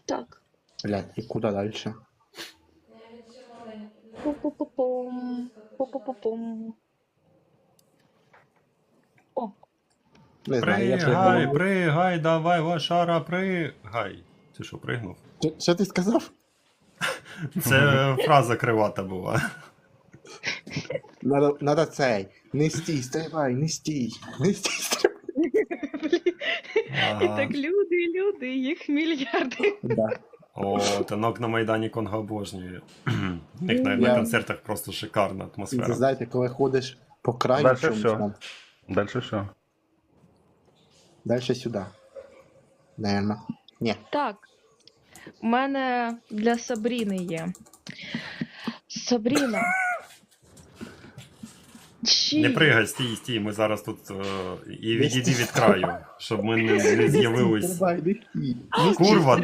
Так. Блядь, і куди далі? Пу-пу-пу-пум. Пу-пу-пу-пум. О, Не знаю, я Пригай, пригнув. пригай, давай, лошара, пригай. Ти що, пригнув? Що ти сказав? Це фраза кривата була. Надо цей. Не стій, стрибай, не стій. Не стій, стрибай. і так люди, їх мільярди. Да. О, танок на Майдані Конго обожнює. У них на Я- концертах просто шикарна Це атмосфера. знаєте, коли ходиш по краю Дальше чомусь всё. там. Дальше все. Далі сюди. Наверно. Ні. Так. У мене для Сабріни є. Сабріна. Не пригай, стій, ми зараз тут і відійди від краю, щоб ми не з'явились. Стрибай, не стій. Курва,